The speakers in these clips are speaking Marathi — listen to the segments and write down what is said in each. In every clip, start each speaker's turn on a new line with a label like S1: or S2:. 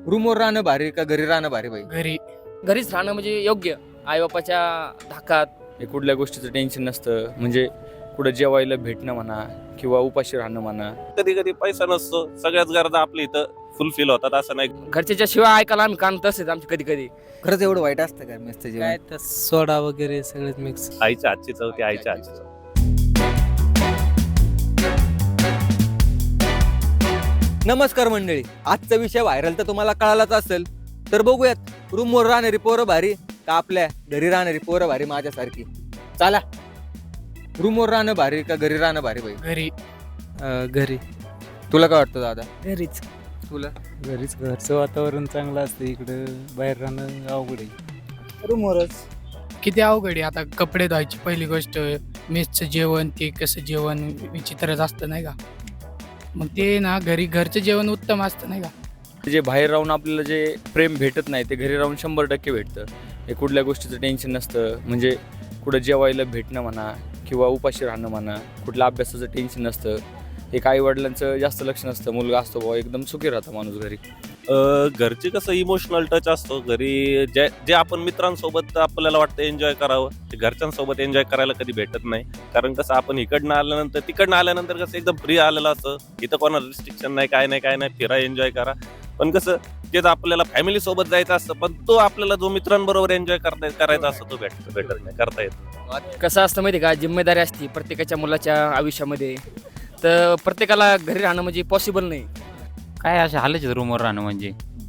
S1: रूमवर राहणं भारी का घरी राहणं भारी भाई?
S2: घरीच राहणं म्हणजे योग्य. आई बापाच्या धाकात
S1: हे कुठल्या गोष्टीचं टेन्शन नसतं, म्हणजे कुठं जेवायला भेटणं म्हणा किंवा उपाशी राहणं म्हणा.
S3: कधी कधी पैसा नसतो, सगळ्याच गरजा आपल्या इथं फुलफिल होतात असं नाही.
S2: घरच्याच्या शिवाय ऐकायला आम्ही कान तसेच आमचे कधी कधी.
S1: खरंच एवढं वाईट असतं का मेसचं
S4: काय
S1: जेवण?
S4: तर सोडा वगैरे सगळेच मिक्स.
S3: आईच्या हातची चव ती आईच्या हातची चव.
S1: नमस्कार मंडळी, आजचा विषय व्हायरल तर तुम्हाला कळालाच असेल. तर बघूयात रूमवर राहणारी पोरं भारी का आपल्या घरी राहणारी पोरं भारी माझ्यासारखी. चला, रूमवर राहणं भारी का घरी राहणं भारी भाई?
S4: घरी
S1: तुला काय वाटतं दादा?
S4: घरीच
S1: तुला?
S4: घरीच. घरचं वातावरण चांगलं असतं, इकडं बाहेर राहणं अवघड आहे.
S5: रूमवरच. किती अवघड आहे. आता कपडे धुवायची पहिली गोष्ट, मेसचं जेवण ते कसं जेवण विचित्रच असतं नाही का. मग ते ना घरचं जेवण उत्तम असतं नाही का.
S1: जे बाहेर राहून आपल्याला जे प्रेम भेटत नाही ते घरी राहून 100% भेटतं. हे कुठल्या गोष्टीचं टेन्शन नसतं, म्हणजे कुठं जेवायला भेटणं म्हणा किंवा उपाशी राहणं म्हणा, कुठल्या अभ्यासाचं टेन्शन नसतं. एक आई वडिलांचं जास्त लक्ष नसतं, मुलगा असतो बाबा एकदम सुखी राहतो माणूस घरी.
S3: घरचे कसं इमोशनल टच असतो. घरी जे आपण मित्रांसोबत आपल्याला वाटतं एन्जॉय करावं, ते घरच्यांसोबत एन्जॉय करायला कधी भेटत नाही. कारण कसं आपण तिकडनं आल्यानंतर कसं एकदम फ्री आलेलं असतं. इथं कोणाला रिस्ट्रिक्शन नाही, काय नाही, फिरा, एन्जॉय करा. पण कसं तेच आपल्याला फॅमिली सोबत जायचं असतं, पण तो आपल्याला जो मित्रांबरोबर एन्जॉय करायचा असतो तो भेटत नाही, करता येत नाही.
S2: कसं असतं माहिती का, जिम्मेदारी असते प्रत्येकाच्या मुलाच्या आयुष्यामध्ये. तर प्रत्येकाला घरी राहणं म्हणजे पॉसिबल नाही.
S6: काय अशा हालच रूमवर राहणं म्हणजे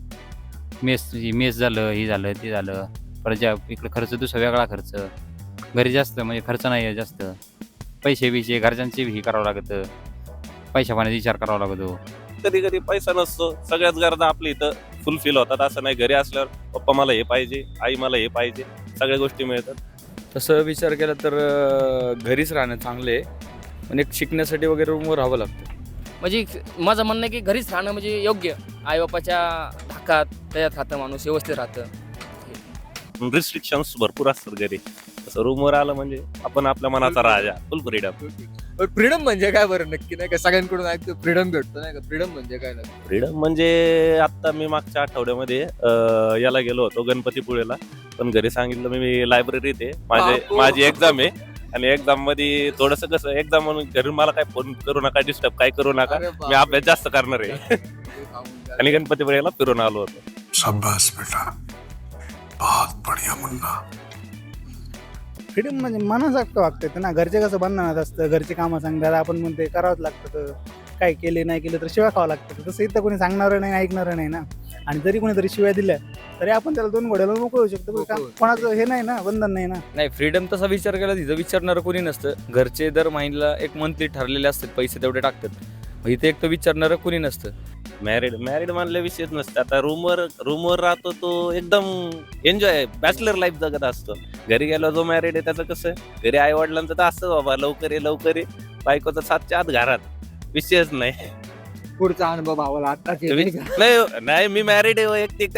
S6: मेस झालं, हे झालं, ते झालं. परत इकडे खर्च दुसरा वेगळा खर्च. घरी जास्त म्हणजे खर्च नाही आहे जास्त. पैसे घरच्यांचे हे करावं लागतं, पैशा पाण्याचा विचार करावा लागतो.
S3: कधी कधी पैसा नसतो, सगळ्याच गरजा आपल्या इथं फुलफिल होतात असं नाही. घरी असल्यावर पप्पा मला हे पाहिजे, आई मला हे पाहिजे, सगळ्या गोष्टी मिळतात.
S1: तसं विचार केला तर घरीच राहणं चांगलं आहे, पण एक शिकण्यासाठी वगैरे रूमवर राहावं लागतं.
S2: म्हणजे माझं म्हणणं आहे की घरीच राहणं म्हणजे योग्य. आई बापाच्या धाकात त्याच्यात राहतं माणूस, व्यवस्थित राहतं.
S3: रिस्ट्रिक्शन्स भरपूर असतात घरी. तसं रूमवर आलं म्हणजे आपण आपल्या मनाचा राजा, फुल फ्रीडम.
S1: फ्रीडम म्हणजे काय बरं नक्की? नाही का सगळ्यांकडून ऐकतो फ्रीडम भेटतो नाही का. फ्रीडम म्हणजे काय नक्की?
S3: फ्रीडम म्हणजे आता मी मागच्या आठवड्यामध्ये याला गेलो होतो गणपतीपुळेला. पण घरी सांगितलं मी लायब्ररीत आहे, माझी एक्झाम आहे आणि एक्झाम मध्ये थोडस कसं एक्झाम म्हणून घरी मला काय फोन करू नका, डिस्टर्ब काय करू नका,
S1: अरे बाप.
S3: मी अभ्यास जास्त करणार आहे. आणि गणपतीपुळेला फिरून आलो होतो.
S7: शाबाश बेटा, बहुत बढ़िया मुन्ना.
S8: फ्रीडम म्हणजे मनासारखं वागतं येतं ना. घरचे कसं बंधनात असतं, घरचे कामं सांगतात, आपण म्हणते करावंच लागतं. तर काय केले नाही केलं तर शिवाय खावं लागतं. तसं इथं कोणी सांगणारं नाही, ऐकणारं नाही ना. आणि जरी कोणीतरी शिवाय दिल्या तरी आपण त्याला 2 घोड्याला मोकळं होऊ शकतो. कोणाचं हे नाही ना, बंधन नाही ना.
S1: नाही, फ्रीडम तसा विचार केला तिथं विचारणारं कोणी नसतं. घरचे दर महिन्याला एक मंथली ठरलेले असतात, पैसे तेवढे टाकतात. मग इथे एक तर विचारणारं कोणी नसतं.
S3: मॅरिड मानल्या विषयच नसतं. आता रूमवर राहतो तो एकदम एन्जॉय बॅचलर लाईफ जगत असतो. घरी गेलो जो मॅरिड आहे त्याचं कसं, घरी आई वडिलांचं तर असतं बाबा लवकर ये, बायकोचं 7च्या आत घरात, विषयच नाही.
S1: पुढचा अनुभव भावाला आताच
S3: नाही मी मॅरिड आहे, एक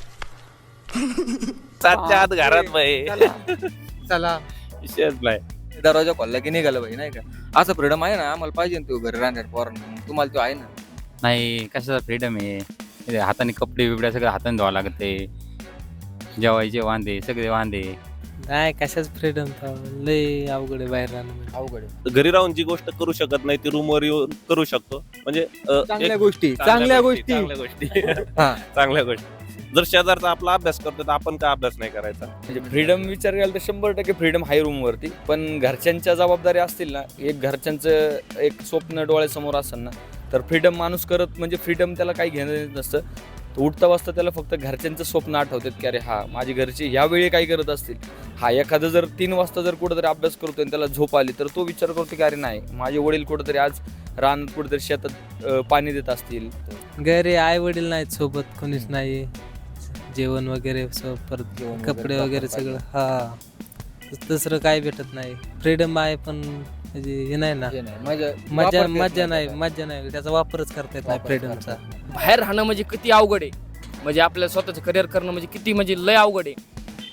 S3: 7च्या आत घरात बाई,
S1: चला
S3: विषयच नाही.
S1: दरवाजा खोलला की निघालं भाई नाही का. असं फ्रीडम आहे ना, आम्हाला पाहिजे ना तो घरी राहणार पोरांना. तुम्हाला तो आहे ना?
S6: नाही, कशाचा फ्रीडम आहे. हे हाताने कपडे बिबड्या सगळं हाताने धुवा लागते. जेवायचे वांदे, सगळे वांदे.
S4: नाही कशाच फ्रीडम, लय अवघड आहे बाहेर राहणं म्हणजे.
S1: अवघड आहे.
S3: घरी राहून जी गोष्ट करू शकत नाही ती रूमवर येऊन करू शकतो. म्हणजे
S1: चांगल्या
S3: एक-
S1: गोष्टी.
S3: चांगल्या गोष्टी
S1: हा.
S3: चांगल्या गोष्टी. जर शेजारचा आपला अभ्यास करतो तर आपण का अभ्यास नाही करायचा?
S1: म्हणजे फ्रीडम विचार केला तर 100% फ्रीडम आहे रूमवरती. पण घरच्यांच्या जबाबदारी असतील ना, एक घरच्यांचं एक स्वप्न डोळ्यासमोर असेल ना, तर फ्रीडम माणूस करत म्हणजे फ्रीडम त्याला काही घेणं देत नसतं. तो उठता वाजता त्याला फक्त घरच्यांचं स्वप्न आठवतात की अरे हा माझी घरची ह्यावेळी काय करत असतील. हा एखादं जर 3 वाजता जर कुठंतरी अभ्यास करतोय आणि त्याला झोप आली तर तो विचार करतो की अरे नाही, माझे वडील कुठंतरी आज रानात कुठेतरी शेतात पाणी देत असतील.
S4: घरी आई वडील नाहीत सोबत, कोणीच नाही. जेवण वगैरे परत कपडे वगैरे सगळं. हा, दुसरं काय भेटत नाही. फ्रीडम आहे पण म्हणजे हे नाही ना,
S1: हे नाही,
S4: मजा नाही. त्याचा वापरच करता येत नाही फ्रीडमचा.
S2: बाहेर राहणं म्हणजे किती अवघड आहे. म्हणजे आपल्याला स्वतःचं करिअर करणं म्हणजे किती म्हणजे लय अवघड आहे.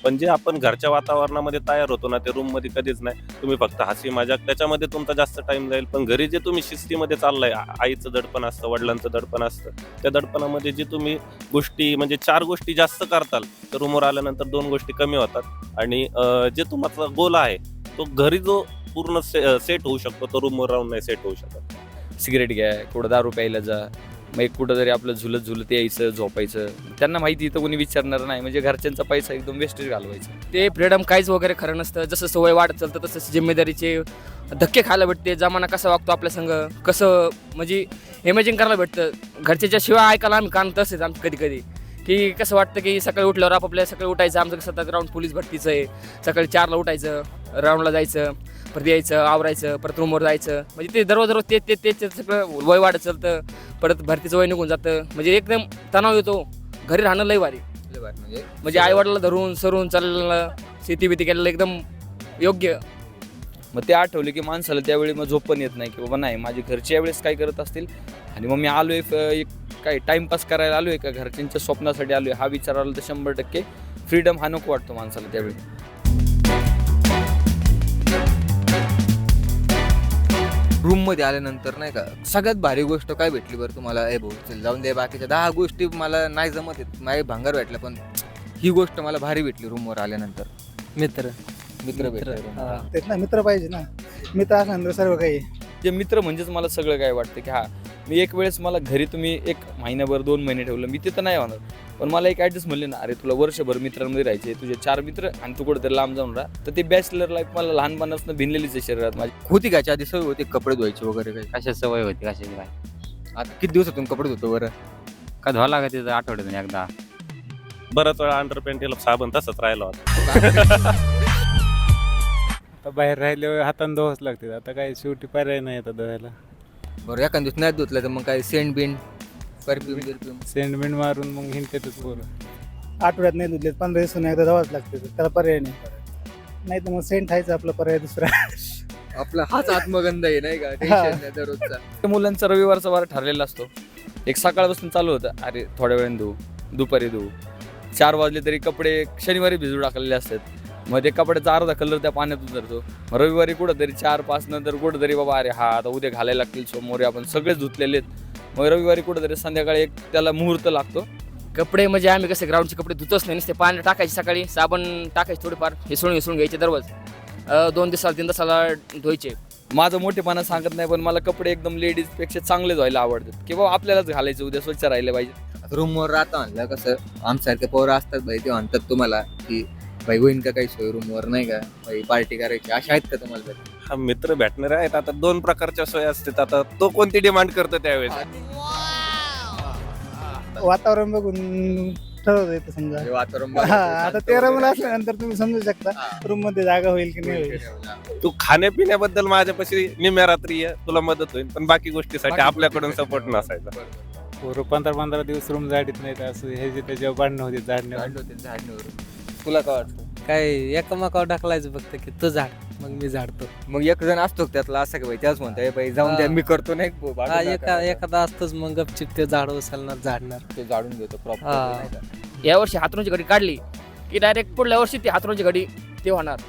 S3: पण जे आपण घरच्या वातावरणामध्ये तयार होतो ना ते रूममध्ये कधीच नाही. तुम्ही फक्त हसी मजाक त्याच्यामध्ये तुमचा जास्त टाइम जाईल. पण घरी जे तुम्ही शिस्तीमध्ये चाललाय, आईचं दडपण असतं, वडिलांचं दडपण असतं, त्या दडपणामध्ये जे तुम्ही गोष्टी म्हणजे 4 गोष्टी जास्त करताल तर रूमवर आल्यानंतर 2 गोष्टी कमी होतात. आणि जे तुमचा गोल आहे तो घरी जो पूर्ण सेट होऊ शकतो तो रूमवर राहून नाही सेट होऊ शकत.
S1: सिगरेट घ्या, कुठं दारू प्यायला जा, मग एक कुठं तरी आपलं झुलत यायचं, झोपायचं. त्यांना माहिती इथं कोणी विचारणार नाही, म्हणजे घरच्यांचा पैसा एकदम वेस्टेज घालवायचा.
S2: ते फ्रीडम काहीच वगैरे खरं नसतं. जसं सवय वाढत चालतं तसं जिम्मेदारीचे धक्के खायला भेटते. जमाना कसा वागतो आपल्या संग, कसं म्हणजे इमॅजिन करायला भेटतं. घरच्याच्या शिवाय ऐकायला आम्ही कान तसेच आमचं कधी कधी की कसं वाटतं की सकाळी उठल्यावर आपापल्या सकाळी उठायचं. आमचं कसं ग्राउंड पोलीस भरतीचं आहे, सकाळी 4ला उठायचं, राऊंडला जायचं, परत यायचं, आवरायचं, परत रूमवर जायचं. म्हणजे ते दररोज ते सगळं वय वाढत चालतं. परत भरतीचं वय निघून जातं. म्हणजे एकदम तणाव येतो. घरी राहणं लय भारी म्हणजे आईवडिला धरून सरून चाललेलं, शेती बिती केलेलं एकदम योग्य.
S1: मग ते आठवले की माणसाला त्यावेळी मग झोप पण येत नाही की बाबा नाही माझी घरची यावेळेस काय करत असतील आणि मग मी आलोय एक काय टाइमपास करायला आलोय का घरच्यांच्या स्वप्नासाठी आलोय हा विचार आला तर 100% फ्रीडम हा नको वाटतो माणसाला त्यावेळी.
S9: रूममध्ये आल्यानंतर नाही का सगळ्यात भारी गोष्ट काय भेटली बरं तुम्हाला? ए भाऊ चल जाऊन दे, बाकीच्या 10 गोष्टी मला नाही जमत आहेत, माझे भांगार भेटलं, पण ही गोष्ट मला भारी भेटली रूमवर आल्यानंतर.
S4: मित्र
S9: भेटले room वर.
S8: तेच ना, मित्र पाहिजे ना. मित्र असल्यानंतर सर्व काही.
S1: ते मित्र म्हणजेच मला सगळं काय वाटतं की मी एक वेळेस मला घरी तुम्ही 1 महिनाभर 2 महिने ठेवलं मी तिथं नाही होणार, पण मला एक ॲडजस्ट म्हणले ना, अरे तुला वर्षभर मित्रांमध्ये राहायचे, तुझे 4 मित्र आणि तू कुठेतरी लांब जाऊन राहा. तर ते बॅचलर लाईफ मला लहानपणापासून भिनलेलीच आहे शरीरात माझी.
S9: होती का आधी सवय होती कपडे धुवायचे वगैरे काही?
S6: कशा सवय होती कशाची काय
S9: आता किती दिवसातून कपडे धुतो बरं?
S6: का धुवा लागत तिथं आठवड्यातून एकदा.
S3: बराच वेळा अंडरपॅन्टीला साबण तसंच राहिला होता.
S10: आता बाहेर राहिल्यावर हाताने धुवाच लागते. आता काय शेवटी पर्याय नाही आता धुवायला.
S9: बरं एखाद दिवस नाही धुतलं तर मग काय सेंट बिन परफ्यूम
S10: सेंडमेंट मारून मग हिंडतेच पोरं.
S8: आठवड्यात नाही धुतले 15 दिवसांनी एकदा जावंच लागते, त्याला पर्याय नाही. नाही तर मग सेंट खायचं आपला पर्याय दुसरा.
S9: आपला हाच आत्मगंध आहे नाही का, टेन्शन नाही दररोजचा.
S1: त्या मुलांचा रविवारचा वार ठरलेला असतो. एक सकाळपासून चालू होतं, अरे थोड्या वेळाने धुवू, दुपारी धुवू, 4 वाजले तरी कपडे शनिवारी भिजू टाकलेले असतात. मग ते कपड्याचा अर्धा कलर त्या पाण्यात उतरतो. मग रविवारी कुठंतरी 4-5 नंतर कुठंतरी बाबा अरे हा आता उद्या घालायला लागतील, सोमवारी आपण सगळेच धुतलेले आहेत. मग रविवारी कुठंतरी संध्याकाळी एक त्याला मुहूर्त लागतो.
S2: कपडे म्हणजे आम्ही कसे ग्राउंडचे कपडे धुतच नाही, नुसते पाणी टाकायचे, सकाळी साबण टाकायचे, थोडेफार हिसळून घ्यायचे दररोज. 2 दिवसाला 3 दिवसाला धुवायचे.
S1: माझं मोठेपणा सांगत नाही, पण मला कपडे एकदम लेडीजपेक्षा चांगले धुवायला आवडतात की बाबा आपल्यालाच घालायचं, उद्या स्वच्छ राहिले पाहिजे.
S9: रूमवर राहता म्हणलं कसं आमच्यासारखे पोरं असतात भाई, ते म्हणतात तुम्हाला की भाई होईन का काही सोय रूमवर नाही का, भाई पार्टी करायची, अशा आहेत का तुम्हाला?
S3: हा मित्र भेटणारे आहेत. आता 2 प्रकारच्या सोयी असतात. आता तो कोणती डिमांड करतो त्यावेळेस.
S8: वातावरण बघून ठरवता येतं समजा.
S9: वातावरण
S8: हा, आता 13 मुलं असल्यानंतर तुम्ही समजू शकता रूम मध्ये जागा होईल की नाही होईल.
S3: तू खाण्यापिण्याबद्दल माझ्यापाशी निम्या रात्री ये, तुला मदत होईल, पण बाकी गोष्टीसाठी आपल्याकडून सपोर्ट नसायचा.
S10: पोरं 15-15 दिवस रूम झाडीत नाहीत, असं हे जे त्याच्यावर भांडणं होते झाडण्यावर.
S9: तुला काय वाटतं?
S4: काय एकमेकावर ढकलायचं फक्त की तू झाड, मग मी झाडतो.
S9: मग एक जण असतो त्यातला असं का भाई, त्याच म्हणतोय भाई जाऊन द्या मी करतो नाही भाऊ, भांडू
S4: हा,
S9: नका.
S4: एखादा असतोच मग गपचिप ते झाड उचलणार, झाडणार.
S9: ते जाडून घेतो
S4: हा.
S9: प्रॉपर.
S2: यावर्षी हातरूनची घडी काढली की डायरेक्ट पुढल्या वर्षी ती हातरूनची घडी ते होणार.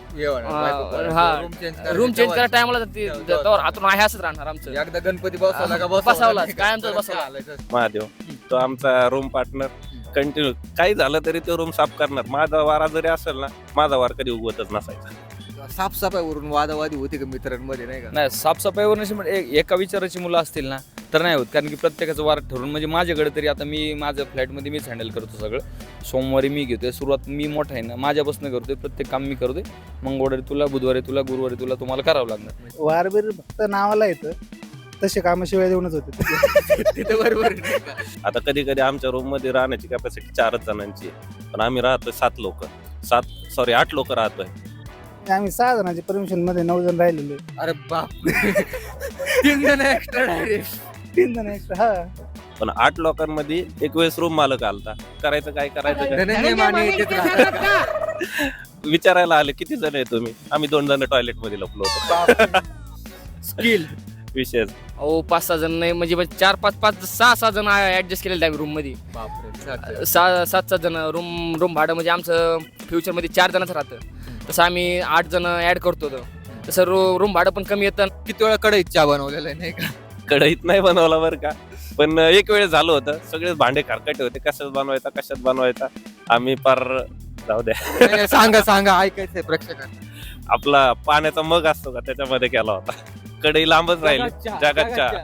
S2: रूम चेंज करा टायमाला हातरून आहे असंच राहणार आमचं.
S9: एकदा गणपती बसवला का
S2: बसवला कायमचा बसवला.
S3: महादेव तो आमचा रूम पार्टनर कंटिन्यू काही झालं तरी तो रूम साफ करणार. माझा वारा जरी असेल ना, माझा वार कधी उगवतच नसायचा.
S9: साफसफाईवरून वादावादी होती का मित्रांमध्ये नाही का?
S1: नाही, साफसफाईवर नशी एका विचाराची मुलं असतील ना तर नाही होत, कारण की प्रत्येकाचं वार ठरवून. म्हणजे माझ्याकडे तरी आता मी माझ्या फ्लॅटमध्ये मीच हँडल करतो सगळं. सोमवारी मी घेतोय सुरुवात, मी मोठा आहे ना, माझ्यापासून करतोय, प्रत्येक काम मी करतोय. मंगळवारी तुला, बुधवारी तुला, गुरुवारी तुला, तुम्हाला करावं लागणार.
S8: वारबीर फक्त नावाला येतं, तसे कामं शिवाय देऊनच होते.
S9: तिथे बरोबर.
S3: आता कधी कधी आमच्या रूम मध्ये राहण्याची कॅपॅसिटी 4 जणांची आहे, पण आम्ही राहतोय 8 लोक राहतोय.
S8: आम्ही 6 जणांची परमिशन मध्ये 9 जण राहिलेले.
S9: अरे बाप 3 जण एक्स्ट्रा डायरेक्ट.
S8: 3 जण एक्स्ट्रा. हा,
S3: पण 8 लोकांमध्ये एक वेळेस रूम मालक आलता. करायचं काय
S9: धनंजय माने येतेच राहतात.
S3: विचारायला आले किती जण आहे तुम्ही? आम्ही 2 जण टॉयलेट मध्ये लपलो होतो.
S9: स्किल
S3: विशेष
S2: अहो 5-6 जण नाही म्हणजे 4-5-6 जण ऍडजस्ट केलेले आम्ही रूम मध्ये.
S9: बापरे
S2: 7 जण रूम भाडं म्हणजे आमचं फ्युचरमध्ये 4 जणांचं राहतं. तसं आम्ही 8 जण ऍड करतो. तसं रूम भाडं पण कमी येतं.
S9: किती वेळा कढईत चहा बनवलेला आहे नाही का?
S3: कढईत नाही बनवला बरं का, पण एक वेळ झालं होतं. सगळेच भांडे खरकटे होते, कशात बनवायचा. आम्ही पार जाऊ द्या.
S9: नाही, नाही, सांगा ऐकायचंय प्रेक्षकांना.
S3: आपला पाण्याचा मग असतो का, त्याच्यामध्ये केला होता. कढई लांबच राहिली. जगात चहा.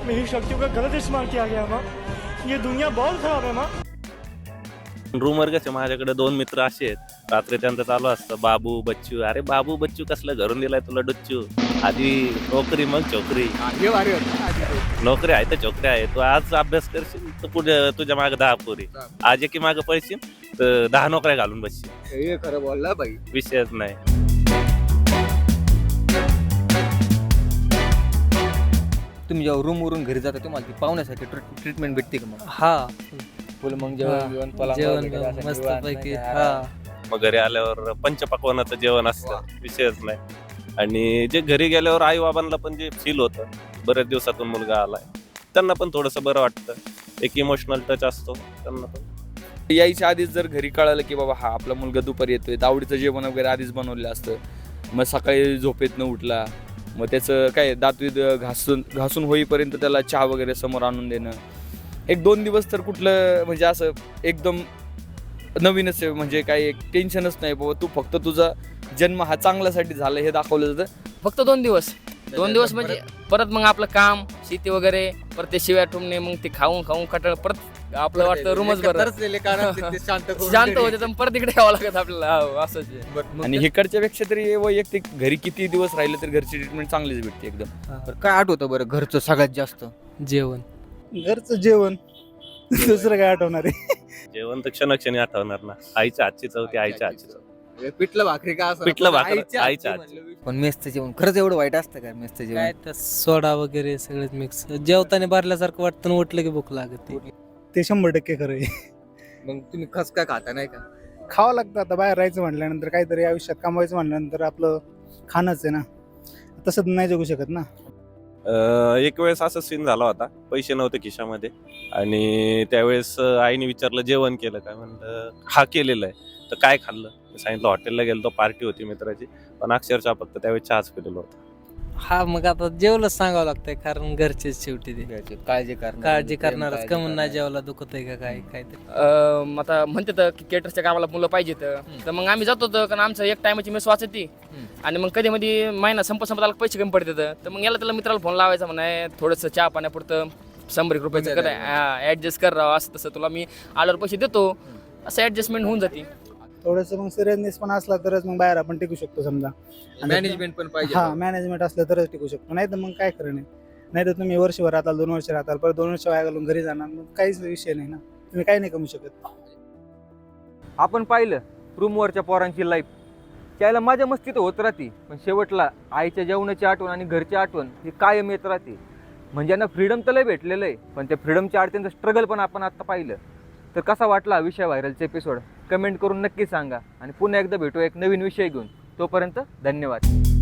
S3: रूमवर कसे माझ्याकडे 2 मित्र असे आहेत, रात्री त्यांचं चालू असतं बाबू बच्चू. अरे बाबू बच्चू कसलं घरून दिलाय तुला डुच्चू, आधी नोकरी मग चोकरी.
S9: हे भारी होतं.
S3: नोकरी आहे तर चोकरी आहे. तू आज अभ्यास करशील तर पुढे तुझ्या मागे 10 पोरी, आज एकी मागे पळशील तर 10 नोकऱ्या घालून बसशील.
S9: हे खरं बोलला बाई.
S3: विषयच नाही.
S9: तुम्ही जेव्हा रूमवरून घरी जाता तुम्हाला ती पाहुण्यासाठी ट्रीटमेंट भेटते का मग?
S4: हा
S9: फुल मग
S4: जेवण मस्त पैकी. हा
S3: मग घरी आल्यावर पंचपक्वानाचं जेवण असतं, विषयच नाही. आणि जे घरी गेल्यावर आई बाबांना पण जे फील होतं, बऱ्याच दिवसातून मुलगा आलाय, त्यांना पण थोडंसं बरं वाटतं. एक इमोशनल टच असतो त्यांना पण.
S1: यायच्या आधीच जर घरी कळालं की बाबा हा आपला मुलगा दुपारी येतोय, तर आवडीचं जेवण वगैरे आधीच बनवलेलं असतं. मग सकाळी झोपेत न उठला, मग त्याचं काय दातवीत घासून होईपर्यंत त्याला चहा वगैरे समोर आणून देणं. 1-2 दिवस तर कुठलं म्हणजे असं एकदम नवीनच आहे, म्हणजे काही एक टेन्शनच नाही बाबा. तू फक्त तुझा जन्म हा चांगल्यासाठी झाला हे दाखवलं जातं.
S2: फक्त 2 दिवस म्हणजे परत मग आपलं काम शेती वगैरे, परत ते शिव्या ठुमणे, मग ते खाऊन कटाळ, परत आपलं वाटतं रूमच बरं शांत होते, तर परत इकडे यावं लागत आपल्याला. असंच आहे.
S1: आणि इकडच्या पेक्षा तरी वैयक्तिक घरी किती दिवस राहिले तर घरची ट्रीटमेंट चांगलीच भेटते एकदम.
S9: काय आठवतं बरं घरचं सगळ्यात जास्त?
S4: जेवण.
S8: घरचं जेवण दुसरं काय आठवणार आहे?
S3: जेवण तर क्षणक्षणी आठवणार ना. आईच्या हातची चव, ती आईच्या हातची चव.
S9: पिठलं भाकरी का असं?
S3: पिठलं भाकरी
S9: आईच्या
S3: आईच्या
S9: हातची म्हणलं. पण मेसचं जेवण खरंच एवढं वाईट असतं काय मेसचं जेवण?
S4: काय त्या सोडा वगैरे सगळं मिक्स, जेवताना भरल्यासारखं वाटतं आणि उठलं की भूक लागते.
S8: ते 100% खरं आहे.
S9: मग तुम्ही खसका खाता नाही का?
S8: खावं लागतं. आता बाहेर राहायचं म्हटल्यानंतर, काहीतरी आयुष्यात कमवायचं म्हटल्यानंतर आपलं खाणंच आहे ना. तसं नाही जगू शकत ना.
S3: एक वेळेस असं सीन झाला होता, पैसे नव्हते खिशामध्ये, आणि त्यावेळेस आईने विचारलं जेवण केलं काय, म्हणलं हा केलेलं आहे. तर काय खाल्लं, सांगितलं हॉटेलला गेलो, पार्टी होती मित्राची, पण अक्षरशः फक्त त्यावेळेस चहाच पिलेलो होता.
S4: हा मग आता जेवलंच सांगावं लागतंय, कारण घरचेच शेवटी ते काळजी करणारच. कमून नाही जेवला दुखत आहे का काय काय.
S2: आता म्हणते की केटरच्या कामाला मुलं पाहिजेत, तर मग आम्ही जातो होतो, कारण आमचं एक टायमाची मेस वाचती. आणि मग कधी मध्ये महिना संपत आला पैसे कमी पडतात, तर मग याला त्याला मित्राला फोन लावायचा, म्हणाय थोडंसं चहा पाण्यापुरतं 100 रुपयाचं काय ऍडजस्ट कर राव, असं तसं तुला मी आल्यावर पैसे देतो, असं ऍडजस्टमेंट होऊन जाते.
S8: थोडंसं मग सिरियसनेस पण असला तरच मग बाहेर आपण टिकू शकतो समजा.
S9: मॅनेजमेंट पण पाहिजे.
S8: हा मॅनेजमेंट असलं तरच टिकू शकतो, नाही तर मग काय खरं नाही. नाही तर तुम्ही वर्षभर राहताल, 2 वर्ष राहताल, परत 2 वर्ष वाया घालून घरी जाणार, मग काहीच विषय नाही ना. तुम्ही काही नाही कमवू शकत.
S9: आपण पाहिलं रूमवरच्या पोरांची लाईफ, त्याला माझ्या मस्ती तर होत राहते, पण शेवटला आईच्या जेवणाची आठवण आणि घरची आठवण ही कायम येत राहते. म्हणजे यांना फ्रीडम तर लय भेटलेलं आहे, पण त्या फ्रीडमच्या अडचणीचं स्ट्रगल पण आपण आता पाहिलं. तर कसा वाटला हा विषय व्हायरलचा एपिसोड कमेंट करून नक्की सांगा, आणि पुन्हा एकदा भेटू एक नवीन विषय घेऊन. तोपर्यंत धन्यवाद.